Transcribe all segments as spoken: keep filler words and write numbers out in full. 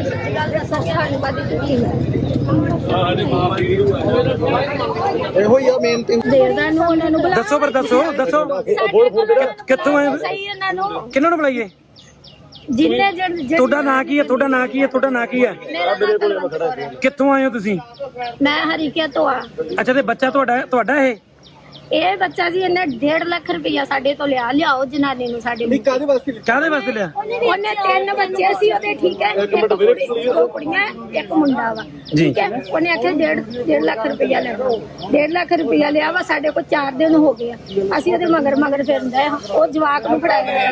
ਸੱਚੀ ਗੱਲ ਦੱਸਾਂਗੇ ਸਾਨੂੰ ਬਾਦੀ ਝੂਠੀ ਇਹੋ ਹੀ ਆ ਮੇਨ ਤੇ ਦੇਰਦਾਰ ਨੂੰ ਉਹਨਾਂ ਨੂੰ ਬੁਲਾ ਦੱਸੋ ਪਰ ਦੱਸੋ ਦੱਸੋ ਕਿੱਥੋਂ ਆਏ ਸਹੀ ਇਹਨਾਂ ਨੂੰ ਕਿਹਨਾਂ ਨੂੰ ਬੁਲਾਈਏ ਜਿੰਨੇ ਜਣ ਤੁਹਾਡਾ ਨਾਂ ਕੀ ਹੈ ਤੁਹਾਡਾ ਨਾਂ ਕੀ ਹੈ ਤੁਹਾਡਾ ਨਾਂ ਕੀ ਹੈ ਕਿੱਥੋਂ ਆਏ ਹੋ ਤੁਸੀਂ ਮੈਂ ਹਰੀਕਿਆ ਤੋਂ ਆ ਅੱਛਾ ਤੇ ਬੱਚਾ ਤੁਹਾਡਾ ਤੁਹਾਡਾ ਇਹ ਇਹ ਬੱਚਾ ਜੀ ਇਹਨੇ ਡੇਢ ਲੱਖ ਰੁਪਇਆ ਸਾਡੇ ਤੋਂ ਲਿਆ ਲਿਆਓ ਜਨਾਨੀ ਨੂੰ ਸਾਡੇ ਨੂੰ ਕਾਹਦੇ ਵਾਸਤੇ ਕਾਹਦੇ ਵਾਸਤੇ ਲਿਆ ਉਹਨੇ ਤਿੰਨ ਬੱਚੇ ਸੀ ਉਹਦੇ ਠੀਕ ਹੈ ਇੱਕ ਕੁੜੀ ਦੋ ਕੁੜੀਆਂ ਇੱਕ ਮੁੰਡਾ ਵਾ ਠੀਕ ਹੈ ਉਹਨੇ ਆਖਿਆ ਡੇਢ ਡੇਢ ਲੱਖ ਰੁਪਇਆ ਲੈ ਲਓ ਡੇਢ ਲੱਖ ਰੁਪਇਆ ਲਿਆ ਵਾ ਸਾਡੇ ਕੋਲ ਚਾਰ ਦਿਨ ਹੋ ਗਏ ਅਸੀਂ ਉਹਦੇ ਮਗਰ ਮਗਰ ਫਿਰਦੇ ਉਹ ਜਵਾਕ ਨੂੰ ਫੜਾਇਆ ਹੋਇਆ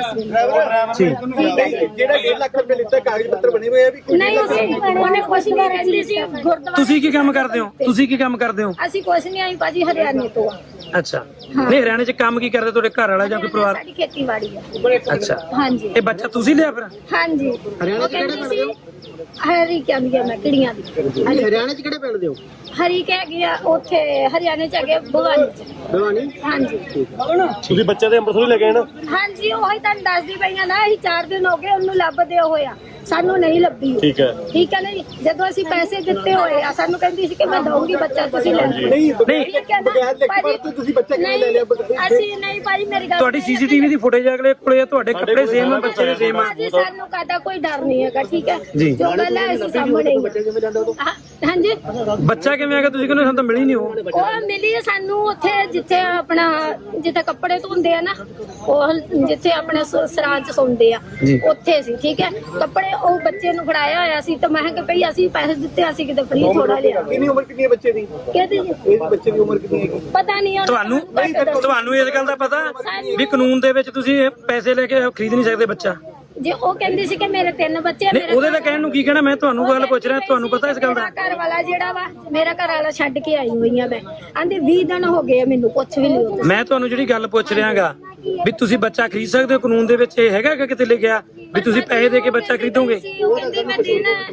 ਸੀ ਜਿਹੜਾ ਡੇਢ ਲੱਖ ਰੁਪਏ ਲਿੱਤਾ ਕਾਗਜ਼ ਪੱਤਰ ਬਣੇ ਹੋਏ ਆ ਵੀ ਨਹੀਂ ਉਹਨੇ ਕੁਛ ਨਹੀਂ ਕਹਿੰਦੀ ਸੀ ਗੁਰਦੁਆਰਾ ਤੁਸੀਂ ਕੀ ਕੰਮ ਕਰਦੇ ਹੋ ਤੁਸੀਂ ਕੀ ਕੰਮ ਕਰਦੇ ਹੋ ਅਸੀਂ ਕੁਛ ਨਹੀਂ ਆਈ ਭਾਜੀ ਹਰਿਆਣੇ ਤੋਂ ਆ ਅੱਛਾ ਨਹੀਂ ਹਰਿਆਣੇ ਚ ਕੰਮ ਕੀ ਕਰਦੇ ਤੁਹਾਡੇ ਘਰ ਵਾਲਾ ਜਾਂ ਕੋਈ ਪਰਿਵਾਰ ਸਾਡੀ ਖੇਤੀਬਾੜੀ ਆ ਅੱਛਾ ਹਾਂਜੀ ਇਹ ਬੱਚਾ ਤੁਸੀਂ ਲਿਆ ਫਿਰ ਹਾਂਜੀ ਹਰਿਆਣਾ ਚ ਕਿਹੜੇ ਪਿੰਡ ਦੇ ਹੋ ਹਰੀ ਕਹਿੰਦੀ ਮੈਂ ਕਿੜੀਆਂ ਦੀ ਹਰਿਆਣਾ ਚ ਕਿਹੜੇ ਪਿੰਡ ਦੇ ਹੋ ਹਰੀ ਕਹਿ ਗਿਆ ਉੱਥੇ ਹਰਿਆਣੇ ਚ ਹੈਗੇ ਭਵਾਨੀ ਚ ਭਵਾਨੀ ਹਾਂਜੀ ਤੁਸੀਂ ਬੱਚੇ ਦੇ ਅੰਮ੍ਰਿਤਸਰ ਲੈ ਗਏ ਨਾ ਹਾਂਜੀ ਉਹੀ ਤੁਹਾਨੂੰ ਦੱਸਦੀ ਪਈਆਂ ਨਾ ਅਸੀਂ ਚਾਰ ਦਿਨ ਹੋ ਗਏ ਉਹਨੂੰ ਲੱਭਦੇ ਹੋਇਆ ਸਾਨੂੰ ਨਹੀਂ ਲੱਭੀ ਠੀਕ ਹੈ ਠੀਕ ਹੈ ਨਹੀਂ ਜਦੋਂ ਅਸੀਂ ਪੈਸੇ ਦਿੱਤੇ ਹੋਏ ਆ ਸਾਨੂੰ ਕਹਿੰਦੀ ਸੀ ਕਿ ਮੈਂ ਦਊਂਗੀ ਬੱਚਾ ਤੁਸੀਂ ਲੈ ਲਓ ਨਹੀਂ ਨਹੀਂ ਬਗੈਰ ਲਿਖ ਤੋਂ ਤੁਸੀਂ ਬੱਚਾ ਕਿਵੇਂ ਲੈ ਲਿਆ ਅਸੀਂ ਨਹੀਂ ਭਾਜੀ ਮੇਰੀ ਗੱਲ ਤੁਹਾਡੀ ਸੀਸੀਟੀਵੀ ਦੀ ਫੁਟੇਜ ਅਗਲੇ ਕੋਲੇ ਆ ਤੁਹਾਡੇ ਕੱਪੜੇ ਸੇਮ ਆ ਬੱਚੇ ਦੇ ਸੇਮ ਆ ਭਾਜੀ ਸਾਨੂੰ ਕਾਹਦਾ ਕੋਈ ਡਰ ਨਹੀਂ ਹੈਗਾ ਠੀਕ ਹੈ ਜੀ। ਜੋ ਗੱਲ ਹੈ ਅਸੀਂ ਸਾਹਮਣੇ ਹਾਂ- ਹਾਂਜੀ ਬੱਚਾ ਕਿਵੇਂ ਆ ਗਿਆ ਤੁਸੀਂ ਕਹਿੰਦੇ ਸਾਨੂੰ ਤਾਂ ਮਿਲੀ ਨਹੀਂ ਉਹ ਉਹ ਮਿਲੀ ਸਾਨੂੰ ਉੱਥੇ ਜਿੱਥੇ ਆਪਣਾ ਜਿੱਥੇ ਕੱਪੜੇ ਧੋਂਦੇ ਆ ਨਾ ਉਹ ਜਿੱਥੇ ਆਪਣੇ ਸ- ਸਰਾਂ ਚ ਸੌਂਦੇ ਆ ਜੀ। ਉੱਥੇ ਸੀ ਠੀਕ ਹੈ ਕੱਪੜੇ ਉਹ ਬੱਚੇ ਨੂੰ ਫੜਾਇਆ ਹੋਇਆ ਸੀ ਤਾਂ ਮੈਂ ਕਿਹਾ ਭਈ ਅਸੀਂ ਪੈਸੇ ਦਿੱਤੇ ਅਸੀਂ ਕਿਤੇ ਫ੍ਰੀ ਥੋੜਾ ਲਿਆ ਕਿੰਨੀ ਉਮਰ ਕਿੰਨੀ ਹੈ ਬੱਚੇ ਦੀ ਕਹਿੰਦੇ ਜੀ ਇਸ ਬੱਚੇ ਦੀ ਉਮਰ ਕਿੰਨੀ ਹੈ ਪਤਾ ਨਹੀਂ ਉਹਨੂੰ ਤੁਹਾਨੂੰ ਤੁਹਾਨੂੰ ਇਸ ਗੱਲ ਦਾ ਪਤਾ ਵੀ ਕਾਨੂੰਨ ਦੇ ਵਿੱਚ ਤੁਸੀਂ ਇਹ ਪੈਸੇ ਲੈ ਕੇ ਖਰੀਦ ਨਹੀਂ ਸਕਦੇ ਬੱਚਾ ਜੇ ਉਹ ਕਹਿੰਦੀ ਸੀ ਕਿ ਮੇਰੇ ਤਿੰਨ ਬੱਚੇ ਆ, ਨਹੀਂ ਮੇਰੇ ਉਹਦੇ ਤਾਂ ਕਹਿਣ ਨੂੰ ਕੀ ਕਹਿਣਾ ਮੈਂ ਤੁਹਾਨੂੰ ਗੱਲ ਪੁੱਛ ਰਿਹਾ ਤੁਹਾਨੂੰ ਪਤਾ ਇਸ ਗੱਲ ਦਾ ਮੇਰਾ ਘਰ ਵਾਲਾ ਜਿਹੜਾ ਵਾ ਮੇਰਾ ਘਰ ਵਾਲਾ ਛੱਡ ਕੇ ਆਈ ਹੋਈ ਆ ਮੈਂ ਆਂਦੇ ਵੀਹ ਦਿਨ ਹੋ ਗਏ ਆ ਮੈਨੂੰ ਕੁਛ ਵੀ ਨਹੀਂ ਹੁੰਦਾ ਮੈਂ ਤੁਹਾਨੂੰ ਜਿਹੜੀ ਗੱਲ ਪੁੱਛ ਰਿਹਾਗਾ ਵੀ ਤੁਸੀਂ ਬੱਚਾ ਖਰੀਦ ਸਕਦੇ ਹੋ ਕਾਨੂੰਨ ਦੇ ਵਿੱਚ ਇਹ ਹੈਗਾ ਕਿ ਕਿਤੇ ਲਿਖਿਆ ਵੀ ਤੁਸੀਂ ਪੈਸੇ ਦੇ ਕੇ ਬੱਚਾ ਖਰੀਦੋਗੇ ਉਹ ਕਹਿੰਦੀ ਮੈਂ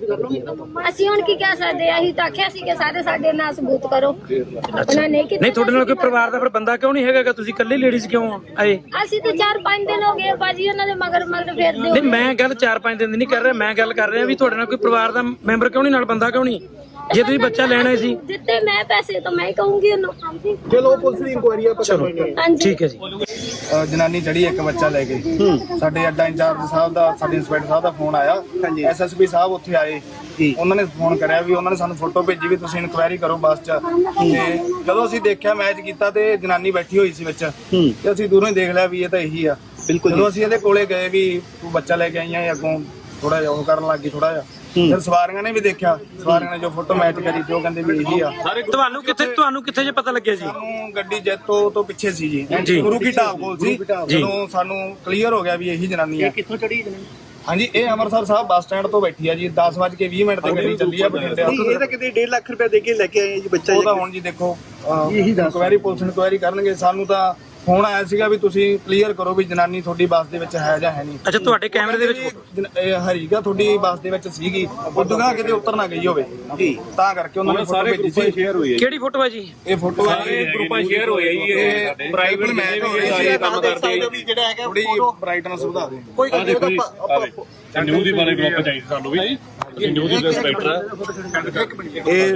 ਦੇਣਾ ਅਸੀਂ ਹੁਣ ਕੀ ਕਹਿ ਸਕਦੇ ਆ ਅਸੀਂ ਤਾਂ ਆਖਿਆ ਸੀ ਕਿ ਸਾਰੇ ਸਾਡੇ ਨਾਲ ਸਬੂਤ ਕਰੋ ਉਹਨਾਂ ਨੇ ਕੀਤਾ ਨਹੀਂ ਤੁਹਾਡੇ ਨਾਲ ਕੋਈ ਪਰਿਵਾਰ ਦਾ ਫਿਰ ਬੰਦਾ ਕਿਉਂ ਨਹੀਂ ਹੈਗਾ ਤੁਸੀਂ ਇਕੱਲੇ ਲੇਡੀਜ਼ ਕਿਉਂ ਆਏ ਅਸੀਂ ਤਾਂ ਚਾਰ ਪੰਜ ਦਿਨ ਹੋ ਗਏ ਬਾਜੀ ਉਹਨਾਂ ਦੇ ਮਗਰ ਮਗਰ ਫੇਰਦੇ ਨਹੀਂ ਮੈਂ ਗੱਲ ਚਾਰ ਪੰਜ ਦਿਨ ਦੀ ਨਹੀਂ ਕਰ ਰਿਹਾ ਮੈਂ ਗੱਲ ਕਰ ਰਿਹਾ ਵੀ ਤੁਹਾਡੇ ਨਾਲ ਕੋਈ ਪਰਿਵਾਰ ਦਾ ਮੈਂਬਰ ਕਿਉਂ ਨਹੀਂ ਨਾਲ ਬੰਦਾ ਕਿਉਂ ਨਹੀਂ ਜੇ ਤੁਸੀਂ ਬੱਚਾ ਲੈਣਾ ਸੀ ਦਿੱਤੇ ਮੈਂ ਪੈਸੇ ਤਾਂ ਮੈਂ ਹੀ ਕਹੂੰਗੀ ਉਹਨੂੰ ਚਲੋ ਪੁਲਿਸ ਦੀ ਇਨਕੁਆਇਰੀ ਆ ਪਤਾ ਨਹੀਂ ਹਾਂਜੀ ਠੀਕ ਹੈ ਜੀ ਜਨਾਨੀ ਚੜੀ ਇੱਕ ਬੱਚਾ ਲੈ ਕੇ ਸਾਡੇ ਅੱਡਾ ਇੰਚਾਰਜ ਸਾਹਿਬ ਦਾ ਸਾਡੇ ਇੰਸਪੈਕਟਰ ਸਾਹਿਬ ਦਾ ਫੋਨ ਆਇਆ ਐਸਐਸਪੀ ਸਾਹਿਬ ਉੱਥੇ ਆਏ ਉਹਨਾਂ ਨੇ ਫੋਨ ਕਰਿਆ ਵੀ ਉਹਨਾਂ ਨੇ ਸਾਨੂੰ ਫੋਟੋ ਭੇਜੀ ਵੀ ਤੁਸੀਂ ਇਨਕੁਆਇਰੀ ਕਰੋ ਬੱਸ 'ਚ ਤੇ ਜਦੋਂ ਅਸੀਂ ਦੇਖਿਆ ਮੈਚ ਕੀਤਾ ਤੇ ਜਨਾਨੀ ਬੈਠੀ ਹੋਈ ਸੀ ਵਿੱਚ ਤੇ ਅਸੀਂ ਦੂਰੋਂ ਹੀ ਦੇਖ ਲਿਆ ਵੀ ਇਹ ਤਾਂ ਇਹੀ ਆ ਬਿਲਕੁਲ ਜਦੋਂ ਅਸੀਂ ਇਹਦੇ ਕੋਲੇ ਗਏ ਵੀ ਤੂੰ ਬੱਚਾ ਲੈ ਕੇ ਆਈਆਂ ਅੱਗੋਂ ਥੋੜਾ ਜਿਹਾ ਉਹ ਕਰਨ ਲੱਗ ਗਈ ਥੋੜਾ ਜਿਹਾ ਫਿਰ ਸਵਾਰੀਆਂ ਨੇ ਵੀ ਦੇਖਿਆ ਸਵਾਰੀਆਂ ਨੇ ਜੋ ਫੋਟੋ ਮੈਚ ਕਰੀ ਤੇ ਉਹ ਕਹਿੰਦੇ ਵੀ ਇਹੀ ਆ ਤੁਹਾਨੂੰ ਕਿੱਥੇ ਤੁਹਾਨੂੰ ਕਿੱਥੇ ਜੇ ਪਤਾ ਲੱਗਿਆ ਜੀ ਸਾਨੂੰ ਗੱਡੀ ਜੈਤੋ ਤੋਂ ਪਿੱਛੇ ਸੀ ਜੀ ਗੁਰੂ ਕੀ ਢਾਬ ਕੋਲ ਸੀ ਜਦੋਂ ਸਾਨੂੰ ਕਲੀਅਰ ਹੋ ਗਿਆ ਵੀ ਇਹੀ ਜਨਾਨੀ ਆ ਕਿੱਥੋਂ ਚੜੀ ਜਨਾਨੀ ਹਾਂਜੀ ਇਹ ਅੰਮ੍ਰਿਤਸਰ ਸਾਹਿਬ ਬੱਸ ਸਟੈਂਡ ਤੋਂ ਬੈਠੀ ਆ ਜੀ ਦਸ ਵੱਜ ਕੇ ਵੀਹ ਮਿੰਟ ਤੇ ਗੱਡੀ ਚੱਲੀ ਆ ਬਠਿੰਡੇ ਇਹ ਤਾਂ ਕਿਤੇ ਡੇਢ ਲੱਖ ਰੁਪਏ ਦੇ ਕੇ ਲੈ ਕੇ ਆਏ ਜੀ ਬੱਚਾ ਉਹ ਤਾਂ ਹੁਣ ਜੀ ਦੇਖੋ ਇਨਕੁਆਇਰੀ ਪੁਲਿਸ ਇਨਕੁਆਇਰੀ ਕਰਨਗੇ ਸਾਨੂੰ ਤਾਂ ਫੋਨ ਆਇਆ ਸੀਗਾ ਵੀ ਤੁਸੀਂ ਕਲੀਅਰ ਕਰੋ ਵੀ ਜਨਾਨੀ ਤੁਹਾਡੀ ਬੱਸ ਦੇ ਵਿੱਚ ਹੈ ਜਾਂ ਹੈ ਨਹੀਂ ਅੱਛਾ ਤੁਹਾਡੇ ਕੈਮਰੇ ਦੇ ਵਿੱਚ ਇਹ ਹਰੀਗਾ ਤੁਹਾਡੀ ਬੱਸ ਦੇ ਵਿੱਚ ਸੀਗੀ ਉਦੋਂ ਕਿਤੇ ਉਤਰ ਨਾ ਗਈ ਹੋਵੇ ਜੀ ਤਾਂ ਕਰਕੇ ਉਹਨਾਂ ਨੇ ਫੋਟੋ ਭੇਜੀ ਸੀ ਸ਼ੇਅਰ ਹੋਈ ਕਿਹੜੀ ਫੋਟੋ ਹੈ ਜੀ ਇਹ ਫੋਟੋ ਸਾਰੇ ਗਰੁੱਪਾਂ ਸ਼ੇਅਰ ਹੋਏ ਜੀ ਇਹ ਪ੍ਰਾਈਵੇਟ ਮੈਚ ਹੋ ਰਿਹਾ ਸੀ ਕੰਮ ਕਰਦੇ ਜਿਹੜਾ ਹੈਗਾ ਥੋੜੀ ਬ੍ਰਾਈਟਨੈਸ ਵਧਾ ਦੇ ਕੋਈ ਗੱਲ ਦੇਖੋ ਜੀ ਨਹੀਂ ਨਿਊਜ਼ ਦੀ ਬਾਰੇ ਗਰੁੱਪ ਚਾਹੀਦਾ ਸਾਨੂੰ ਵੀ ਅਸੀਂ ਨਿਊਜ਼ ਦੀ ਇੰਸਪੈਕਟਰ ਇਹ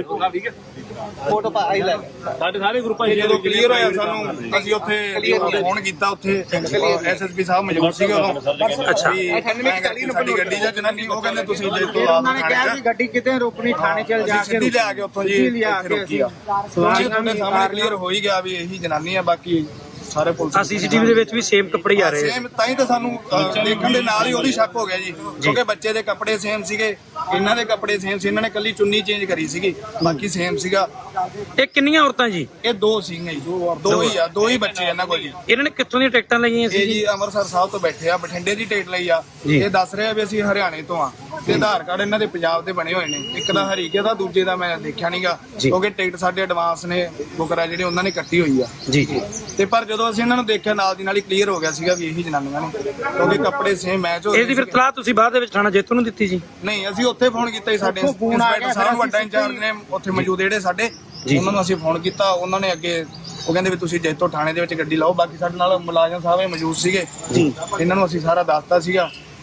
ਫੋਟੋ ਪਾ ਆਈ ਲੈ ਸਾਡੇ ਸਾਰੇ ਗਰੁੱਪਾਂ ਇਹ ਜਦੋਂ ਕਲੀਅਰ ਹੋਇਆ ਸਾਨੂੰ ਅਸੀਂ ਉੱਥੇ ਫੋਨ ਕੀਤਾ ਉੱਥੇ ਐਸਐਸਪੀ ਸਾਹਿਬ ਮੌਜੂਦ ਸੀਗੇ ਉਦੋਂ ਅੱਛਾ ਸਾਡੀ ਗੱਡੀ ਜਾਂ ਜਨਾਨੀ ਉਹ ਕਹਿੰਦੇ ਤੁਸੀਂ ਜੇ ਤੋਂ ਆਪ ਉਹਨਾਂ ਨੇ ਕਿਹਾ ਕਿ ਗੱਡੀ ਕਿਤੇ ਰੋਕਣੀ ਥਾਣੇ ਚਲ ਜਾ ਕੇ ਸਿੱਧੀ ਲਿਆ ਕੇ ਉੱਥੋਂ ਜੀ ਇੱਥੇ ਰੋਕੀ ਆ ਸਵਾਰੀ ਤੁਹਾਡੇ ਸਾਹਮਣੇ ਕਲੀਅਰ ਹੋ ਹੀ ਗਿਆ ਵੀ ਇਹੀ ਜਨਾਨੀ ਆ ਬਾਕੀ ਸਾਰੇ ਪੁਲਿਸ ਆ ਸੀਸੀਟੀਵੀ ਦੇ ਵਿੱਚ ਵੀ ਸੇਮ ਕੱਪੜੇ ਆ ਰਹੇ ਆ ਸੇਮ ਤਾਂ ਹੀ ਤਾਂ ਸਾਨੂੰ ਅਹ, ਦੇਖਣ ਦੇ ਨਾਲ ਹੀ ਉਹਦੀ ਸ਼ੱਕ ਹੋ ਗਿਆ ਜੀ ਕਿਉਂਕਿ ਬੱਚੇ ਦੇ ਕੱਪੜੇ ਸੇਮ ਸੀਗੇ ਇਹਨਾਂ ਦੇ ਕੱਪੜੇ ਸੇਮ ਸੀ ਇਹਨਾਂ ਨੇ ਕੱਲੀ ਚੁੰਨੀ ਚੇਂਜ ਕਰੀ ਸੀਗੀ ਬਾਕੀ ਸੇਮ ਸੀਗਾ ਇਹ ਕਿੰਨੀਆਂ ਔਰਤਾਂ ਜੀ ਇਹ ਦੋ ਸੀਗੇ ਜੀ ਦੋ ਹੀ ਆ ਦੋ ਹੀ ਬੱਚੇ ਇਹਨਾਂ ਕੋਲ ਜੀ ਇਹਨਾਂ ਨੇ ਕਿੱਥੋਂ ਦੀਆਂ ਟਿਕਟਾਂ ਲਈਆਂ ਸੀ ਇਹ ਜੀ ਜੀ ਅੰਮ੍ਰਿਤਸਰ ਸਾਹਿਬ ਤੋਂ ਬੈਠੇ ਆ ਬਠਿੰਡੇ ਦੀ ਟਿਕਟ ਲਈ ਆ ਜੀ। ਇਹ ਦੱਸ ਰਿਹਾ ਵੀ ਅਸੀਂ ਹਰਿਆਣੇ ਤੋਂ ਆ ਤੇ ਆਧਾਰ ਕਾਰਡ ਇਹਨਾਂ ਦੇ ਪੰਜਾਬ ਦੇ ਬਣੇ ਹੋਏ ਨੇ ਇੱਕ ਦਾ ਹਰੀਕੇ ਦਾ ਦੂਜੇ ਦਾ ਮੈਂ ਦੇਖਿਆ ਨਹੀਂਗਾ ਜੀ। ਕਿਉਂਕਿ ਟਿਕਟ ਸਾਡੇ ਐਡਵਾਂਸ ਨੇ ਬੁਕਰਾ ਜਿਹੜੇ ਉਹਨਾਂ ਨੇ ਕੱਟੀ ਹੋਈ ਆ ਜੀ ਜੀ ਤੇ ਪਰ ਜਦੋਂ ਅਸੀਂ ਇਹਨਾਂ ਨੂੰ ਦੇਖਿਆ ਨਾਲ ਦੀ ਨਾਲ ਹੀ ਕਲੀਅਰ ਹੋ ਗਿਆ ਸੀਗਾ ਵੀ ਇਹੀ ਜਨਾਨੀਆਂ ਨੇ ਕਿਉਂਕਿ ਕੱਪੜੇ ਸੇਮ ਮੈਚ ਹੋ ਇਹਦੀ ਫਿਰ ਤਲਾਹ ਤੁਸੀਂ ਬਾਅਦ ਦੇ ਵਿੱਚ ਥਾਣਾ ਜੇਤੂ ਨੂੰ ਦਿੱਤੀ ਜੀ ਨਹੀਂ ਅਸੀਂ ਉੱਥੇ ਫੋਨ ਕੀਤਾ ਜੀ ਸਾਡੇ ਇੰਸਪੈਕਟਰ ਸਾਹਿਬ ਵੱਡਾ ਇੰਚਾਰਜ ਨੇ ਉੱਥੇ ਮੌਜੂਦ ਜਿਹੜੇ ਸਾਡੇ ਉਹਨਾਂ ਨੂੰ ਅਸੀਂ ਫੋਨ ਕੀਤਾ ਉਹਨਾਂ ਨੇ ਅੱਗੇ ਉਹ ਕਹਿੰਦੇ ਵੀ ਤੁਸੀਂ ਜੈਤੋ ਥਾਣੇ ਦੇ ਵਿੱਚ ਗੱਡੀ ਲਾਓ ਬਾਕੀ ਸਾਡੇ ਨਾਲ ਮੁਲਾਜ਼ਮ ਸਾਹਿਬ ਇਹ ਮੌਜੂਦ ਸੀਗੇ ਇਹਨਾਂ ਨੂੰ ਅਸੀਂ ਸਾਰਾ ਦੱਸਤਾ ਸੀਗਾ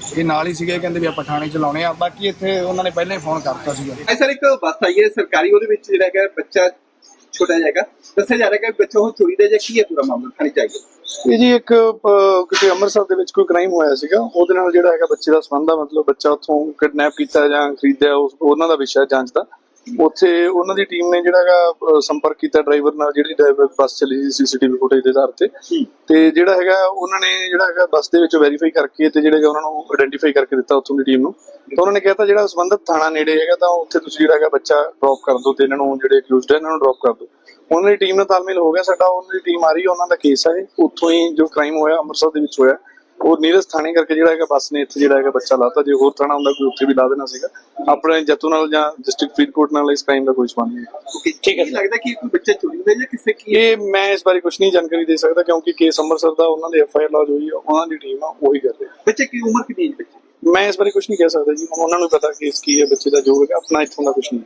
ਇਹ ਨਾਲ ਹੀ ਸੀਗੇ, ਕਹਿੰਦੇ ਵੀ ਆਪਾਂ ਥਾਣੇ ਚ ਲਾਉਣੇ ਆ। ਬਾਕੀ ਇੱਥੇ ਉਹਨਾਂ ਨੇ ਪਹਿਲਾਂ ਹੀ ਫੋਨ ਕਰਤਾ ਸੀਗਾ। ਸਰ ਇੱਕ ਬੱਸ ਆਈ ਹੈ ਸਰਕਾਰੀ, ਉਹਦੇ ਵਿੱਚ ਜਿਹੜਾ ਹੈਗਾ ਬੱਚਾ ਛੋਟਾ ਜਾਏਗਾ, ਦੱਸਿਆ ਜਾ ਰਿਹਾ ਕਿ ਬੱਚਾ ਉਹ ਚੋਰੀ ਦਾ ਜਾਂ ਕੀ ਹੈ ਪੂਰਾ ਮਾਮਲਾ ਥਾਣੇ ਚਾਹੀਏ। ਇਹ ਜੀ ਇੱਕ ਅਹ, ਕਿਤੇ ਅੰਮ੍ਰਿਤਸਰ ਦੇ ਵਿੱਚ ਕੋਈ ਕ੍ਰਾਈਮ ਹੋਇਆ ਸੀਗਾ, ਉਹਦੇ ਨਾਲ ਜਿਹੜਾ ਹੈਗਾ ਬੱਚੇ ਦਾ ਸੰਬੰਧ ਆ, ਮਤਲਬ ਬੱਚਾ ਉੱਥੋਂ ਕਿਡਨੈਪ ਕੀਤਾ ਜਾਂ ਖਰੀਦਿਆ, ਉਸ ਉਹਨਾਂ ਦਾ ਵਿਸ਼ਾ ਜਾਂਚ ਦਾ। ਉੱਥੇ ਉਹਨਾਂ ਦੀ ਟੀਮ ਨੇ ਜਿਹੜਾ ਹੈਗਾ ਸੰਪਰਕ ਕੀਤਾ ਡਰਾਈਵਰ ਨਾਲ, ਜਿਹੜੀ ਡਰਾਈਵਰ ਬੱਸ ਚੱਲੀ ਸੀ ਸੀਸੀਟੀਵੀ ਫੁਟੇਜ ਦੇ ਆਧਾਰ ਤੇ ਤੇ ਜਿਹੜਾ ਹੈਗਾ ਉਹਨਾਂ ਨੇ ਜਿਹੜਾ ਹੈਗਾ ਬੱਸ ਦੇ ਵਿੱਚ ਵੈਰੀਫਾਈ ਕਰਕੇ ਤੇ ਜਿਹੜਾ ਉਹਨਾਂ ਨੂੰ ਆਇਡੈਂਟੀਫਾਈ ਕਰਕੇ ਦਿੱਤਾ ਉੱਥੋਂ ਦੀ ਟੀਮ ਨੂੰ। ਤਾਂ ਉਹਨਾਂ ਨੇ ਕਿਹਾ ਤਾਂ ਜਿਹੜਾ ਸੰਬੰਧਿਤ ਥਾਣਾ ਨੇੜੇ ਹੈਗਾ ਤਾਂ ਉੱਥੇ ਤੁਸੀਂ ਜਿਹੜਾ ਹੈਗਾ ਬੱਚਾ ਡ੍ਰੌਪ ਕਰ ਦਿਓ ਤੇ ਇਹਨਾਂ ਨੂੰ ਜਿਹੜੇ ਅਕਿਊਜ਼ਡ ਹੈ ਇਹਨਾਂ ਨੂੰ ਡ੍ਰੌਪ ਕਰ ਦਿਓ। ਉਹਨਾਂ ਦੀ ਟੀਮ ਨਾਲ ਤਾਲਮੇਲ ਹੋ ਗਿਆ ਸਾਡਾ, ਉਹਨਾਂ ਦੀ ਟੀਮ ਆ ਰਹੀ ਹੈ, ਉਹਨਾਂ ਦਾ ਕੇਸ ਹੈ ਉੱਥੋਂ ਹੀ ਜੋ ਕ੍ਰਾਈਮ ਹੋਇਆ ਅੰਮ੍ਰਿਤਸਰ ਦੇ ਵਿੱਚ ਹੋਇਆ, ਉਹ ਨੀਰਜ ਥਾਣੇ ਕਰਕੇ ਜਿਹੜਾ ਹੈਗਾ ਬੱਸ ਨੇ ਇੱਥੇ ਜਿਹੜਾ ਹੈਗਾ ਬੱਚਾ ਲਾਤਾ। ਜੇ ਹੋਰ ਥਾਣਾ ਹੁੰਦਾ ਕੋਈ ਉੱਥੇ ਵੀ ਲਾ ਦੇਣਾ ਸੀਗਾ। ਆਪਣੇ ਜੱਤੂ ਨਾਲ ਜਾਂ ਡਿਸਟ੍ਰਿਕਟ ਫਰੀਦਕੋਟ ਨਾਲ ਇਸ ਕ੍ਰਾਈਮ ਦਾ ਕੋਈ ਸੰਬੰਧ ਨਹੀਂ। ਠੀਕ ਹੈ, ਲੱਗਦਾ ਕਿ ਕੋਈ ਬੱਚਾ ਚੋਰੀ ਹੋਇਆ ਜਾਂ ਕਿਸੇ ਕੀ ਇਹ ਮੈਂ ਇਸ ਬਾਰੇ ਕੁਝ ਨਹੀਂ ਜਾਣਕਾਰੀ ਦੇ ਸਕਦਾ ਕਿਉਂਕਿ ਕੇਸ ਅੰਮ੍ਰਿਤਸਰ ਦਾ ਉਹਨਾਂ ਦੇ ਐਫ ਆਈ ਆਰ ਲੌਜ ਹੋਈ ਹੈ, ਉਹਨਾਂ ਦੀ ਟੀਮ ਆ ਉਹੀ ਕਰ ਰਹੀ ਹੈ। ਬੱਚੇ ਕੀ ਉਮਰ ਕਿੰਨੀ ਹੈ ਬੱਚੇ? ਮੈਂ ਇਸ ਬਾਰੇ ਕੁਝ ਨਹੀਂ ਕਹਿ ਸਕਦਾ ਜੀ, ਉਹਨਾਂ ਨੂੰ ਪਤਾ ਕੇਸ ਕੀ ਹੈ ਬੱਚੇ ਦਾ, ਜੋ ਹੈਗਾ ਆਪਣਾ ਇੱਥੋਂ ਦਾ ਕੁਝ ਨਹੀਂ।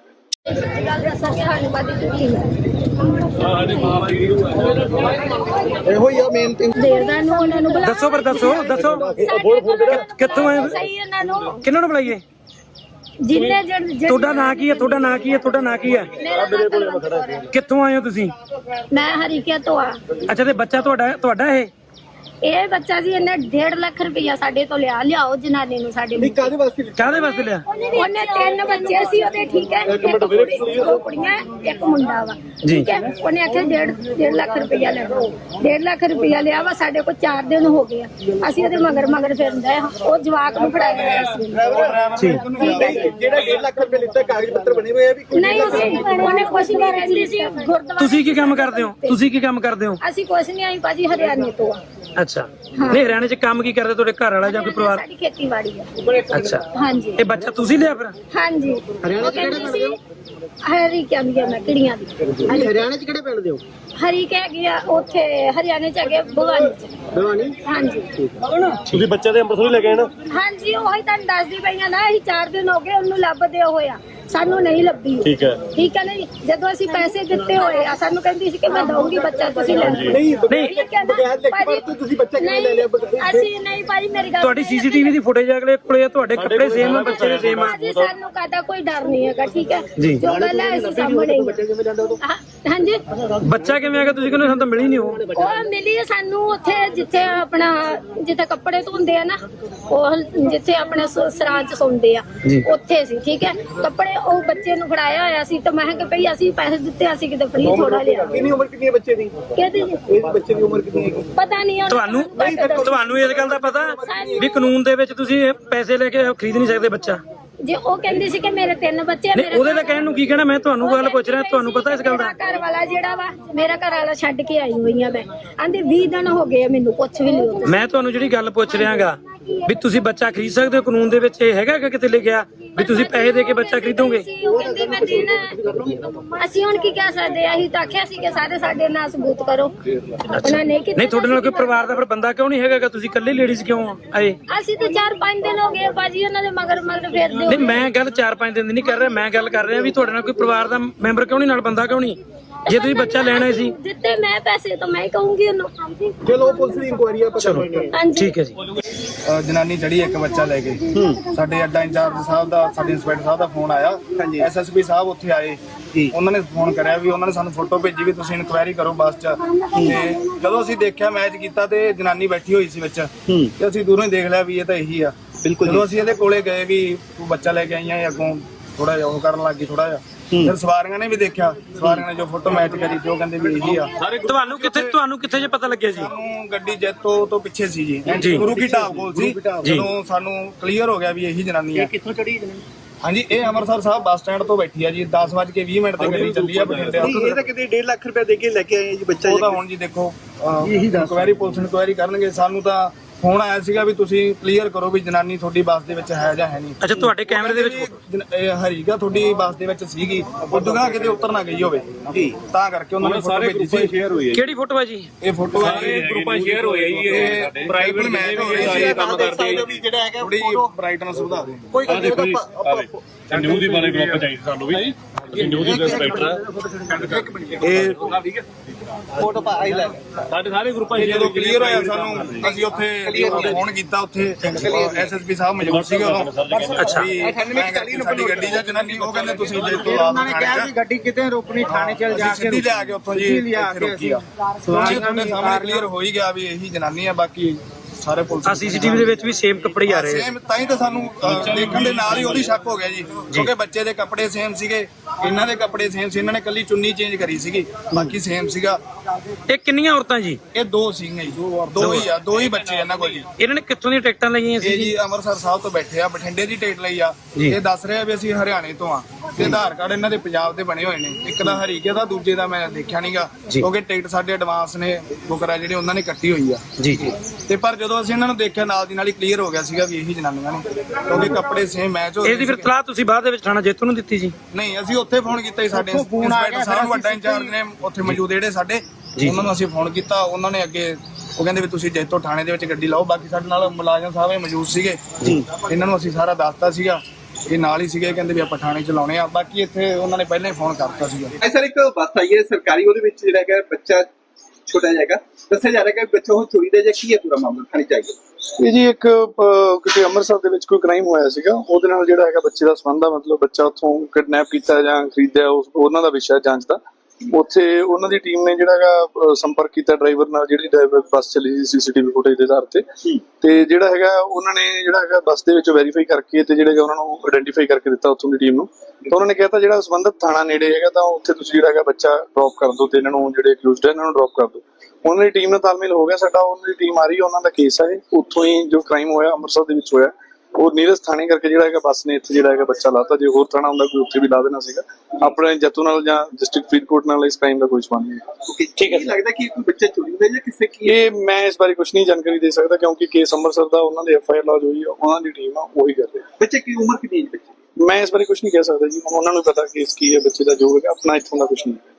ਇਹੋ ਹੀ ਆ ਮੇਨ ਥਿੰਗ। ਦੇਰਦਾ ਨੂੰ ਉਹਨਾਂ ਨੂੰ ਬੁਲਾ ਦੱਸੋ ਪਰ ਦੱਸੋ ਦੱਸੋ ਕਿੱਥੋਂ ਆਏ? ਸਹੀ ਇਹਨਾਂ ਨੂੰ ਕਿਹਨਾਂ ਨੂੰ ਬੁਲਾਈਏ? ਜਿੰਨੇ ਜਣ ਤੁਹਾਡਾ ਨਾਂ ਕੀ ਹੈ? ਤੁਹਾਡਾ ਨਾਂ ਕੀ ਹੈ? ਤੁਹਾਡਾ ਨਾਂ ਕੀ ਹੈ? ਕਿੱਥੋਂ ਆਏ ਹੋ ਤੁਸੀਂ? ਮੈਂ ਹਰੀਕੇ ਤੋਂ ਆ। ਅੱਛਾ, ਤੇ ਬੱਚਾ ਤੁਹਾਡਾ ਤੁਹਾਡਾ ਇਹ ਇਹ ਬੱਚਾ ਜੀ ਇਹਨੇ ਡੇਢ ਲੱਖ ਰੁਪਇਆ ਸਾਡੇ ਤੋਂ ਲਿਆ ਲਿਆਓ ਜਨਾਨੀ ਨੂੰ ਸਾਡੇ ਨੂੰ। ਕਾਹਦੇ ਵਾਸਤੇ? ਕਾਹਦੇ ਵਾਸਤੇ ਲਿਆ? ਉਹਨੇ ਤਿੰਨ ਬੱਚੇ ਸੀ ਉਹਦੇ, ਠੀਕ ਹੈ, ਇੱਕ ਕੁੜੀ ਦੋ ਕੁੜੀਆਂ ਇੱਕ ਮੁੰਡਾ ਵਾ, ਠੀਕ ਹੈ। ਉਹਨੇ ਆਖਿਆ ਡੇਢ ਡੇਢ ਲੱਖ ਰੁਪਇਆ ਲੈਣਾ, ਡੇਢ ਲੱਖ ਰੁਪਇਆ ਲਿਆ ਵਾ। ਸਾਡੇ ਕੋਲ ਚਾਰ ਦਿਨ ਹੋ ਗਏ ਆ, ਅਸੀਂ ਉਹਦੇ ਮਗਰ ਮਗਰ ਫਿਰਦੇ ਆ। ਉਹ ਜਵਾਕ ਨੂੰ ਫੜਾਇਆ ਹੋਇਆ ਸੀ। ਜਿਹੜਾ ਡੇਢ ਲੱਖ ਰੁਪਏ ਲਿੱਤਾ ਕਾਗਜ਼ ਪੱਤਰ ਬਣੇ ਹੋਏ ਆ ਵੀ ਨਹੀਂ ਅਸੀਂ ਉਹਨੇ ਕੁਛ ਨਹੀਂ ਕਹਿੰਦੀ ਸੀ। ਗੁਰਦੁਆਰਾ ਤੁਸੀਂ ਕੀ ਕੰਮ ਕਰਦੇ ਹੋ? ਤੁਸੀਂ ਕੀ ਕੰਮ ਕਰਦੇ ਹੋ? ਅਸੀਂ ਕੁਛ ਨਹੀਂ ਆਈ ਭਾਜੀ, ਹਰਿਆਣੇ ਤੋਂ ਆ। ਅੱਛਾ, ਨਹੀਂ ਹਰਿਆਣੇ ਚ ਕੰਮ ਕੀ ਕਰਦੇ ਤੁਹਾਡੇ ਘਰ ਵਾਲਾ ਜਾਂ ਕੋਈ ਪਰਿਵਾਰ? ਸਾਡੀ ਖੇਤੀਬਾੜੀ ਆ। ਅੱਛਾ, ਹਾਂਜੀ ਇਹ ਬੱਚਾ ਤੁਸੀਂ ਲਿਆ ਫਿਰ? ਹਾਂਜੀ। ਹਰਿਆਣਾ ਚ ਕਿਹੜੇ ਸੀ? ਹਰੀ ਕਹਿੰਦੀ ਮੈਂ ਕਿਹੜੀਆਂ ਦੀ। ਹਰਿਆਣਾ ਚ ਕਿਹੜੇ ਪਿੰਡ ਦੇ ਹੋ? ਹਰੀ ਕਹਿ ਗਿਆ ਉੱਥੇ ਹਰਿਆਣੇ ਚ ਹੈਗੇ ਭਵਾਨੀ ਚ। ਭਵਾਨੀ? ਹਾਂਜੀ। ਤੁਸੀਂ ਬੱਚੇ ਦੇ ਅੰਮ੍ਰਿਤਸਰ ਲੈ ਕੇ ਆਏ ਨਾ? ਹਾਂਜੀ, ਉਹੀ ਤੁਹਾਨੂੰ ਦੱਸਦੀ ਪਈਆਂ ਨਾ, ਅਸੀਂ ਚਾਰ ਦਿਨ ਹੋ ਗਏ ਉਹਨੂੰ ਲੱਭਦੇ ਹੋਇਆ, ਸਾਨੂੰ ਨਹੀਂ ਲੱਭੀ। ਠੀਕ ਹੈ, ਠੀਕ ਹੈ ਨਹੀਂ। ਜਦੋਂ ਅਸੀਂ ਪੈਸੇ ਦਿੱਤੇ ਹੋਏ ਆ, ਸਾਨੂੰ ਕਹਿੰਦੀ ਸੀ ਕਿ ਮੈਂ ਦਊਂਗੀ ਬੱਚਾ, ਤੁਸੀਂ ਲੈ ਲਓ। ਨਹੀਂ ਠੀਕ ਹੈ ਨਾ ਭਾਜੀ, ਤੁਸੀਂ ਬੱਚਾ ਕਿਵੇਂ ਲੈ ਲਿਆ? ਅਸੀਂ ਨਹੀਂ ਭਾਜੀ, ਮੇਰੀ ਗੱਲ ਤੁਹਾਡੀ ਸੀਸੀਟੀਵੀ ਦੀ ਫੁਟੇਜ ਅਗਲੇ ਕੋਲੇ ਆ, ਤੁਹਾਡੇ ਕੱਪੜੇ ਸੇਮ ਆ, ਬੱਚੇ ਦੇ ਸੇਮ ਆ। ਭਾਜੀ ਸਾਨੂੰ ਕਾਹਦਾ ਕੋਈ ਡਰ ਨਹੀਂ ਹੈਗਾ, ਠੀਕ ਹੈ। ਜੀ। ਜੋ ਗੱਲ ਹੈ ਅਸੀਂ ਸਾਹਮਣੇ ਹਾਂ- ਹਾਂਜੀ। ਬੱਚਾ ਕਿਵੇਂ ਆ ਗਿਆ? ਤੁਸੀਂ ਕਹਿੰਦੇ ਸਾਨੂੰ ਤਾਂ ਮਿਲੀ ਨਹੀਂ ਉਹ। ਉਹ ਮਿਲੀ ਸਾਨੂੰ ਉੱਥੇ ਜਿੱਥੇ ਆਪਣਾ ਜਿੱਥੇ ਕੱਪੜੇ ਧੋਂਦੇ ਆ ਨਾ, ਉਹ ਜਿੱਥੇ ਆਪਣੇ ਸ- ਸਰਾਂ ਚ ਸੌਂਦੇ ਆ, ਉੱਥੇ ਸੀ, ਠੀਕ ਹੈ। ਕੱਪੜੇ ਉਹ ਬੱਚੇ ਨੂੰ ਫੜਾਇਆ ਹੋਇਆ ਸੀ, ਤਾਂ ਮੈਂ ਕਿਹਾ ਭਈ ਅਸੀਂ ਪੈਸੇ ਦਿੱਤੇ, ਅਸੀਂ ਕਿਤੇ ਫ੍ਰੀ ਥੋੜਾ ਲਿਆ। ਕਿੰਨੀ ਉਮਰ ਕਿੰਨੀ ਹੈ ਬੱਚੇ ਦੀ? ਕਹਿੰਦੇ ਜੀ ਇਸ ਬੱਚੇ ਦੀ ਉਮਰ ਕਿੰਨੀ ਹੈ? ਪਤਾ ਨਹੀਂ ਉਹਨੂੰ। ਤੁਹਾਨੂੰ ਤੁਹਾਨੂੰ ਇਸ ਗੱਲ ਦਾ ਪਤਾ ਵੀ ਕਾਨੂੰਨ ਦੇ ਵਿੱਚ ਤੁਸੀਂ ਪੈਸੇ ਲੈ ਕੇ ਖਰੀਦ ਨਹੀਂ ਸਕਦੇ ਬੱਚਾ? ਜੇ ਉਹ ਕਹਿੰਦੀ ਸੀ ਕਿ ਮੇਰੇ ਤਿੰਨ ਬੱਚੇ ਆ, ਨਹੀਂ, ਮੇਰੇ ਉਹਦੇ ਤਾਂ ਕਹਿਣ ਨੂੰ ਕੀ ਕਹਿਣਾ, ਮੈਂ ਤੁਹਾਨੂੰ ਗੱਲ ਪੁੱਛ ਰਿਹਾ, ਤੁਹਾਨੂੰ ਪਤਾ ਇਸ ਗੱਲ ਦਾ? ਮੇਰਾ ਘਰ ਵਾਲਾ ਜਿਹੜਾ ਵਾ, ਮੇਰਾ ਘਰ ਵਾਲਾ ਛੱਡ ਕੇ ਆਈ ਹੋਈ ਆ ਮੈਂ। ਆਂਦੇ ਵੀਹ ਦਿਨ ਹੋ ਗਏ ਆ, ਮੈਨੂੰ ਕੁਛ ਵੀ ਨਹੀਂ ਹੁੰਦਾ। ਮੈਂ ਤੁਹਾਨੂੰ ਜਿਹੜੀ ਗੱਲ ਪੁੱਛ ਰਿਹਾਗਾ ਵੀ ਤੁਸੀਂ ਬੱਚਾ ਖਰੀਦ ਸਕਦੇ ਹੋ, ਕਾਨੂੰਨ ਦੇ ਵਿੱਚ ਇਹ ਹੈਗਾ ਕਿ ਕਿਤੇ ਲਿਖਿਆ ਵੀ ਤੁਸੀਂ ਪੈਸੇ ਦੇ ਕੇ ਬੱਚਾ ਖਰੀਦੋਗੇ? ਉਹ ਕਹਿੰਦੀ ਮੈਂ ਦੇਣਾ। ਅਸੀਂ ਹੁਣ ਕੀ ਕਹਿ ਸਕਦੇ ਆ? ਅਸੀਂ ਤਾਂ ਆਖਿਆ ਸੀ ਕਿ ਸਾਰੇ ਸਾਡੇ ਨਾਲ ਸਬੂਤ ਕਰੋ। ਉਹਨਾਂ ਨੇ ਕੀਤਾ। ਨਹੀਂ, ਤੁਹਾਡੇ ਨਾਲ ਕੋਈ ਪਰਿਵਾਰ ਦਾ ਫਿਰ ਬੰਦਾ ਕਿਉਂ ਨਹੀਂ ਹੈਗਾ? ਤੁਸੀਂ ਇਕੱਲੇ ਲੇਡੀਜ਼ ਕਿਉਂ ਆਏ? ਅਸੀਂ ਤਾਂ ਚਾਰ ਪੰਜ ਦਿਨ ਹੋ ਗਏ ਭਾਜੀ ਉਹਨਾਂ ਦੇ ਮਗਰ ਮਗਰ ਫਿਰਦੇ। ਨਹੀਂ, ਮੈਂ ਗੱਲ ਚਾਰ ਪੰਜ ਦਿਨ ਦੀ ਨਹੀਂ ਕਰ ਰਿਹਾ, ਮੈਂ ਗੱਲ ਕਰ ਰਿਹਾ ਵੀ ਤੁਹਾਡੇ ਨਾਲ ਕੋਈ ਪਰਿਵਾਰ ਦਾ ਮੈਂਬਰ ਕਿਉਂ ਨਹੀਂ, ਨਾਲ ਬੰਦਾ ਕਿਉਂ ਨਹੀਂ? ਜੇ ਤੁਸੀਂ ਬੱਚਾ ਲੈਣਾ ਸੀ ਦਿੱਤੇ ਮੈਂ ਪੈਸੇ, ਤਾਂ ਮੈਂ ਹੀ ਕਹੂੰਗੀ ਉਹਨੂੰ। ਚਲੋ ਪੁਲਿਸ ਦੀ ਇਨਕੁਆਇਰੀ ਆ, ਪਤਾ ਲੱਗੇਗਾ। ਹਾਂਜੀ, ਠੀਕ ਹੈ ਜੀ। ਜਨਾਨੀ ਚੜੀ ਇੱਕ ਬੱਚਾ ਲੈ ਕੇ, ਸਾਡੇ ਅੱਡਾ ਇੰਚਾਰਜ ਸਾਹਿਬ ਦਾ, ਸਾਡੇ ਇੰਸਪੈਕਟਰ ਸਾਹਿਬ ਦਾ ਫੋਨ ਆਇਆ, ਐਸ ਐਸ ਪੀ ਸਾਹਿਬ ਉੱਥੇ ਆਏ, ਉਹਨਾਂ ਨੇ ਫੋਨ ਕਰਿਆ ਵੀ ਉਹਨਾਂ ਨੇ ਸਾਨੂੰ ਫੋਟੋ ਭੇਜੀ ਵੀ ਤੁਸੀਂ ਇਨਕੁਆਇਰੀ ਕਰੋ ਬੱਸ 'ਚ। ਤੇ ਜਦੋਂ ਅਸੀਂ ਦੇਖਿਆ, ਮੈਚ ਕੀਤਾ ਤੇ ਜਨਾਨੀ ਬੈਠੀ ਹੋਈ ਸੀ ਵਿੱਚ, ਤੇ ਅਸੀਂ ਦੂਰੋਂ ਹੀ ਦੇਖ ਲਿਆ ਵੀ ਇਹ ਤਾਂ ਇਹੀ ਆ। ਬਿਲਕੁਲ। ਜਦੋਂ ਅਸੀਂ ਇਹਦੇ ਕੋਲੇ ਗਏ ਵੀ ਤੂੰ ਬੱਚਾ ਲੈ ਕੇ ਆਈਆਂ, ਅੱਗੋਂ ਥੋੜਾ ਜਿਹਾ ਉਹ ਕਰਨ ਲੱਗ ਗਈ ਥੋੜਾ ਜਿਹਾ। ਫਿਰ ਸਵਾਰੀਆਂ ਨੇ ਵੀ ਦੇਖਿਆ, ਸਵਾਰੀਆਂ ਨੇ ਜੋ ਫੋਟੋ ਮੈਚ ਕਰੀ ਤੇ ਉਹ ਕਹਿੰਦੇ ਵੀ ਇਹੀ ਆ। ਤੁਹਾਨੂੰ ਕਿੱਥੇ ਤੁਹਾਨੂੰ ਕਿੱਥੇ ਜੇ ਪਤਾ ਲੱਗਿਆ ਜੀ? ਸਾਨੂੰ ਗੱਡੀ ਜੈਤੋ ਤੋਂ ਪਿੱਛੇ ਸੀ ਜੀ, ਗੁਰੂ ਕੀ ਢਾਬ ਕੋਲ ਸੀ। ਜਦੋਂ ਸਾਨੂੰ ਕਲੀਅਰ ਹੋ ਗਿਆ ਵੀ ਇਹੀ ਜਨਾਨੀ ਆ। ਕਿੱਥੋਂ ਚੜੀ ਜਨਾਨੀ? ਹਾਂਜੀ, ਇਹ ਅੰਮ੍ਰਿਤਸਰ ਸਾਹਿਬ ਬੱਸ ਸਟੈਂਡ ਤੋਂ ਬੈਠੀ ਆ ਜੀ, ਦਸ ਵੱਜ ਕੇ ਵੀਹ ਮਿੰਟ ਤੇ ਗੱਡੀ ਚੱਲੀ ਆ ਬਠਿੰਡੇ। ਇਹ ਤਾਂ ਕਿਤੇ ਡੇਢ ਲੱਖ ਰੁਪਏ ਦੇ ਕੇ ਲੈ ਕੇ ਆਏ ਜੀ ਬੱਚਾ। ਉਹ ਤਾਂ ਹੁਣ ਜੀ ਦੇਖੋ, ਇਨਕੁਆਇਰੀ ਪੁਲਿਸ ਇਨਕੁਆਇਰੀ ਕਰਨਗੇ। ਸਾਨੂੰ ਤਾਂ ਫੋਨ ਆਇਆ ਸੀਗਾ ਵੀ ਤੁਸੀਂ ਕਲੀਅਰ ਕਰੋ ਵੀ ਜਨਾਨੀ ਤੁਹਾਡੀ ਬੱਸ ਦੇ ਵਿੱਚ ਹੈ ਜਾਂ ਹੈ ਨਹੀਂ। ਅੱਛਾ, ਤੁਹਾਡੇ ਕੈਮਰੇ ਦੇ ਵਿੱਚ ਇਹ ਹਰੀਗਾ ਤੁਹਾਡੀ ਬੱਸ ਦੇ ਵਿੱਚ ਸੀਗੀ, ਉਦੋਂ ਨਾ ਕਿਤੇ ਉਤਰ ਨਾ ਗਈ ਹੋਵੇ ਜੀ, ਤਾਂ ਕਰਕੇ ਉਹਨਾਂ ਨੇ ਫੋਟੋ ਭੇਜੀ ਸੀ। ਸ਼ੇਅਰ ਹੋਈ ਹੈ ਕਿਹੜੀ ਫੋਟੋ ਹੈ ਜੀ? ਇਹ ਫੋਟੋ ਸਾਰੇ ਗਰੁੱਪਾਂ ਸ਼ੇਅਰ ਹੋਏ ਜੀ। ਇਹ ਪ੍ਰਾਈਵੇਟ ਮੈਚ ਹੋ ਰਿਹਾ ਸੀ, ਕੰਮ ਕਰਦੇ ਜਿਹੜਾ ਹੈਗਾ ਥੋੜੀ ਬ੍ਰਾਈਟਨੈਸ ਵਧਾ ਦੇ। ਕੋਈ ਗੱਲ ਦੇਖੋ ਜੀ, ਨਿਊਜ਼ ਦੀ ਬਾਰੇ ਗਰੁੱਪ ਚਾਹੀਦਾ ਸਾਨੂੰ ਵੀ। ਅਸੀਂ ਨਿਊਜ਼ ਦੇ ਇੰਸਪੈਕਟਰ ਆ ਇਹ ਫੋਟੋ ਪਾਈ ਲੈ ਸਾਡੇ ਸਾਰੇ ਗਰੁੱਪਾਂ ਇਹ ਜਦੋਂ ਕਲੀਅਰ ਹੋਇਆ ਸਾਨੂੰ ਅਸੀਂ ਉੱਥੇ ਫੋਨ ਕੀਤਾ ਉੱਥੇ ਐਸਐਸਪੀ ਸਾਹਿਬ ਮੌਜੂਦ ਸੀਗੇ ਉਦੋਂ ਅੱਛਾ। ਵੀ ਮੈਂ ਕਿਹਾ ਸਾਡੀ ਗੱਡੀ ਜਾਂ ਜਨਾਨੀ ਉਹ ਕਹਿੰਦੇ ਤੁਸੀਂ ਜੇ ਤੋਂ ਉਹਨਾਂ ਨੇ ਕਿਹਾ ਕਿ ਗੱਡੀ ਕਿਤੇ ਰੋਕਣੀ ਥਾਣੇ ਚਲ ਜਾ ਕੇ ਸਿੱਧੀ ਲਿਆ ਕੇ ਉੱਥੋਂ ਜੀ ਇੱਥੇ ਰੋਕੀ ਆ ਸਵਾਰੀਆਂ ਤੁਹਾਡੇ ਸਾਹਮਣੇ ਕਲੀਅਰ ਹੋ ਹੀ ਗਿਆ ਵੀ ਇਹੀ ਜਨਾਨੀ ਆ ਬਾਕੀ ਸਾਰੇ ਪੁਲਿਸ ਆ ਸੀਸੀਟੀਵੀ ਦੇ ਵਿੱਚ ਵੀ ਸੇਮ ਕੱਪੜੇ ਹੀ ਆ ਰਹੇ ਆ। ਸੇਮ ਤਾਂ ਹੀ ਤਾਂ ਸਾਨੂੰ ਅਹ, ਦੇਖਣ ਦੇ ਨਾਲ ਹੀ ਉਹਦੀ ਸ਼ੱਕ ਹੋ ਗਿਆ ਜੀ ਕਿਉਂਕਿ ਬੱਚੇ ਦੇ ਕੱਪੜੇ ਸੇਮ ਸੀਗੇ ਇਹਨਾਂ ਦੇ ਕੱਪੜੇ ਸੇਮ ਸੀ ਇਹਨਾਂ ਨੇ ਕੱਲੀ ਚੁੰਨੀ ਚੇਂਜ ਕਰੀ ਸੀਗੀ ਬਾਕੀ ਸੇਮ ਸੀਗਾ। ਇਹ ਕਿੰਨੀਆਂ ਔਰਤਾਂ ਜੀ? ਇਹ ਦੋ ਸੀਗੇ ਜੀ ਦੋ ਹੀ ਆ ਦੋ ਹੀ ਬੱਚੇ ਇਹਨਾਂ ਕੋਲ ਜੀ। ਇਹਨਾਂ ਨੇ ਕਿੱਥੋਂ ਦੀਆਂ ਟਿਕਟਾਂ ਲਈਆਂ ਸੀ ਇਹ ਜੀ? ਜੀ ਅੰਮ੍ਰਿਤਸਰ ਸਾਹਿਬ ਤੋਂ ਬੈਠੇ ਆ ਬਠਿੰਡੇ ਦੀ ਟਿਕਟ ਲਈ ਆ ਜੀ। ਇਹ ਦੱਸ ਰਿਹਾ ਵੀ ਅਸੀਂ ਹਰਿਆਣੇ ਤੋਂ ਆ ਤੇ ਆਧਾਰ ਕਾਰਡ ਇਹਨਾਂ ਦੇ ਪੰਜਾਬ ਦੇ ਬਣੇ ਹੋਏ ਨੇ ਇੱਕ ਦਾ ਹਰੀਕੇ ਦਾ ਦੂਜੇ ਦਾ ਮੈਂ ਦੇਖਿਆ ਨਹੀਂਗਾ ਜੀ। ਕਿਉਂਕਿ ਟਿਕਟ ਸਾਡੇ ਐਡਵਾਂਸ ਨੇ ਬੁਕਰਾ ਜਿਹੜੇ ਉਹਨਾਂ ਨੇ ਕੱਟੀ ਹੋਈ ਆ ਜੀ ਜੀ। ਤੇ ਪਰ ਜਦੋਂ ਅਸੀਂ ਇਹਨਾਂ ਨੂੰ ਦੇਖਿਆ ਨਾਲ ਦੀ ਨਾਲ ਹੀ ਕਲੀਅਰ ਹੋ ਗਿਆ ਸੀਗਾ ਵੀ ਇਹੀ ਜਨਾਨੀਆਂ ਨੇ ਕਿਉਂਕਿ ਕੱਪੜੇ ਸੇਮ ਮੈਚ ਹੋ ਰਹੇ ਇਹਦੀ ਫਿਰ ਸੀਗੇ। ਤਲਾਹ ਤੁਸੀਂ ਬਾਅਦ ਦੇ ਵਿੱਚ ਥਾਣਾ ਜੇਤੂ ਨੂੰ ਦਿੱਤੀ ਜੀ? ਨਹੀਂ ਅਸੀਂ ਉੱਥੇ ਫੋਨ ਕੀਤਾ ਜੀ ਸਾਡੇ ਇੰਸਪੈਕਟਰ ਸਾਹਿਬ ਵੱਡਾ ਇੰਚਾਰਜ ਨੇ ਉੱਥੇ ਮੌਜੂਦ ਜਿਹੜੇ ਸਾਡੇ ਜੀ। ਉਹਨਾਂ ਨੂੰ ਅਸੀਂ ਫੋਨ ਕੀਤਾ ਉਹਨਾਂ ਨੇ ਅੱਗੇ ਉਹ ਕਹਿੰਦੇ ਵੀ ਤੁਸੀਂ ਜੈਤੋ ਥਾਣੇ ਦੇ ਵਿੱਚ ਗੱਡੀ ਲਾਓ ਬਾਕੀ ਸਾਡੇ ਨਾਲ ਮੁਲਾਜ਼ਮ ਸਾਹਿਬ ਇਹ ਮੌਜੂਦ ਸੀਗੇ ਜੀ। ਇਹਨਾਂ ਨੂੰ ਅਸੀਂ ਸਾਰਾ ਦੱਸਤਾ ਸੀਗਾ ਇਹ ਨਾਲ ਹੀ ਸੀਗੇ ਕਹਿੰਦੇ ਵੀ ਆਪਾਂ ਥਾਣੇ ਚ ਲਾਉਣੇ ਆ ਬਾਕੀ ਇੱਥੇ ਉਹਨਾਂ ਨੇ ਪਹਿਲਾਂ ਹੀ ਫੋਨ ਕਰਤਾ ਸੀਗਾ। ਐ ਸਰ ਇੱਕ ਬੱਸ ਆਈ ਹੈ ਸਰਕਾਰੀ ਉਹਦੇ ਵਿੱਚ ਜਿਹੜਾ ਹੈਗਾ ਬੱਚਾ ਛੋਟਾ ਜਾਏਗਾ ਦੱਸਿਆ ਜਾ ਰਿਹਾ ਹੈ ਕਿ ਬੱਚਾ ਉਹ ਚੋਰੀ ਦਾ ਜਾਂ ਕੀ ਹੈ ਪੂਰਾ ਮਾਮਲਾ ਥਾਣੇ ਚਾਹੀਏ। ਇਹ ਜੀ ਇੱਕ ਅਹ, ਕਿਤੇ ਅੰਮ੍ਰਿਤਸਰ ਦੇ ਵਿੱਚ ਕੋਈ ਕ੍ਰਾਈਮ ਹੋਇਆ ਸੀਗਾ ਉਹਦੇ ਨਾਲ ਜਿਹੜਾ ਹੈਗਾ ਬੱਚੇ ਦਾ ਸੰਬੰਧ ਆ ਮਤਲਬ ਬੱਚਾ ਉੱਥੋਂ ਕਿਡਨੈਪ ਕੀਤਾ ਜਾਂ ਖਰੀਦਿਆ ਉਸ ਉਹਨਾਂ ਦਾ ਵਿਸ਼ਾ ਜਾਂਚ ਦਾ। ਉੱਥੇ ਉਹਨਾਂ ਦੀ ਟੀਮ ਨੇ ਜਿਹੜਾ ਹੈਗਾ ਸੰਪਰਕ ਕੀਤਾ ਡਰਾਈਵਰ ਨਾਲ ਜਿਹੜੀ ਡਰਾਈਵਰ ਬੱਸ ਚੱਲੀ ਸੀ ਸੀਸੀਟੀਵੀ ਫੁਟੇਜ ਦੇ ਆਧਾਰ ਤੇ ਤੇ ਜਿਹੜਾ ਹੈਗਾ ਉਹਨਾਂ ਨੇ ਜਿਹੜਾ ਹੈਗਾ ਬੱਸ ਦੇ ਵਿੱਚ ਵੈਰੀਫਾਈ ਕਰਕੇ ਤੇ ਜਿਹੜਾ ਉਹਨਾਂ ਨੂੰ ਆਇਡੈਂਟੀਫਾਈ ਕਰਕੇ ਦਿੱਤਾ ਉੱਥੋਂ ਦੀ ਟੀਮ ਨੂੰ ਤਾਂ ਉਹਨਾਂ ਨੇ ਕਿਹਾ ਤਾਂ ਜਿਹੜਾ ਸੰਬੰਧਿਤ ਥਾਣਾ ਨੇੜੇ ਹੈਗਾ ਤਾਂ ਉੱਥੇ ਤੁਸੀਂ ਜਿਹੜਾ ਹੈਗਾ ਬੱਚਾ ਡ੍ਰੌਪ ਕਰ ਦਿਓ ਤੇ ਇਹਨਾਂ ਨੂੰ ਜਿਹੜੇ ਅਕਿਊਜ਼ਡ ਹੈ ਇਹਨਾਂ ਨੂੰ ਡ੍ਰੌਪ ਕਰ ਦਿਓ। ਉਹਨਾਂ ਦੀ ਟੀਮ ਨਾਲ ਤਾਲਮੇਲ ਹੋ ਗਿਆ ਸਾਡਾ ਉਹਨਾਂ ਦੀ ਟੀਮ ਆ ਰਹੀ ਹੈ ਉਹਨਾਂ ਦਾ ਕੇਸ ਹੈ ਉੱਥੋਂ ਹੀ ਜੋ ਕ੍ਰਾਈਮ ਹੋਇਆ ਅੰਮ੍ਰਿਤਸਰ ਦੇ ਵਿੱਚ ਹੋਇਆ ਉਹ ਨੀਰਜ ਥਾਣੇ ਕਰਕੇ ਜਿਹੜਾ ਹੈਗਾ ਬੱਸ ਨੇ ਇੱਥੇ ਜਿਹੜਾ ਹੈਗਾ ਬੱਚਾ ਲਾਤਾ ਜੇ ਹੋਰ ਥਾਣਾ ਹੁੰਦਾ ਕੋਈ ਉੱਥੇ ਵੀ ਲਾ ਦੇਣਾ ਸੀਗਾ ਆਪਣੇ ਜੱਤੂ ਨਾਲ ਜਾਂ ਡਿਸਟ੍ਰਿਕਟ ਫਰੀਦਕੋਟ ਨਾਲ ਇਸ ਕ੍ਰਾਈਮ ਦਾ ਕੋਈ ਸੰਬੰਧ ਨਹੀਂ। ਠੀਕ ਹੈ ਲੱਗਦਾ ਕਿ ਕੋਈ ਬੱਚਾ ਚੋਰੀ ਹੁੰਦਾ ਜਾਂ ਕਿਸੇ ਕੀ ਇਹ ਮੈਂ ਇਸ ਬਾਰੇ ਕੁਝ ਨਹੀਂ ਜਾਣਕਾਰੀ ਦੇ ਸਕਦਾ ਕਿਉਂਕਿ ਕੇਸ ਅੰਮ੍ਰਿਤਸਰ ਦਾ ਉਹਨਾਂ ਦੇ ਐਫ ਆਈ ਆਰ ਲੌਜ ਹੋਈ ਹੈ ਉਹਨਾਂ ਦੀ ਟੀਮ ਆ ਉਹੀ ਕਰ ਰਹੀ ਹੈ। ਬੱਚੇ ਕੀ ਉਮਰ ਕਿੰਨੀ ਹੈ ਬੱਚੇ ਮੈਂ ਇਸ ਬਾਰੇ ਕੁਝ ਨਹੀਂ ਕਹਿ ਸਕਦਾ ਜੀ ਉਹਨਾਂ ਨੂੰ ਪਤਾ ਕੇਸ ਕੀ ਹੈ ਬੱਚੇ ਦਾ ਜੋ ਹੈਗਾ ਆਪਣਾ ਇੱਥੋਂ ਦਾ ਕੁਝ ਨਹੀਂ।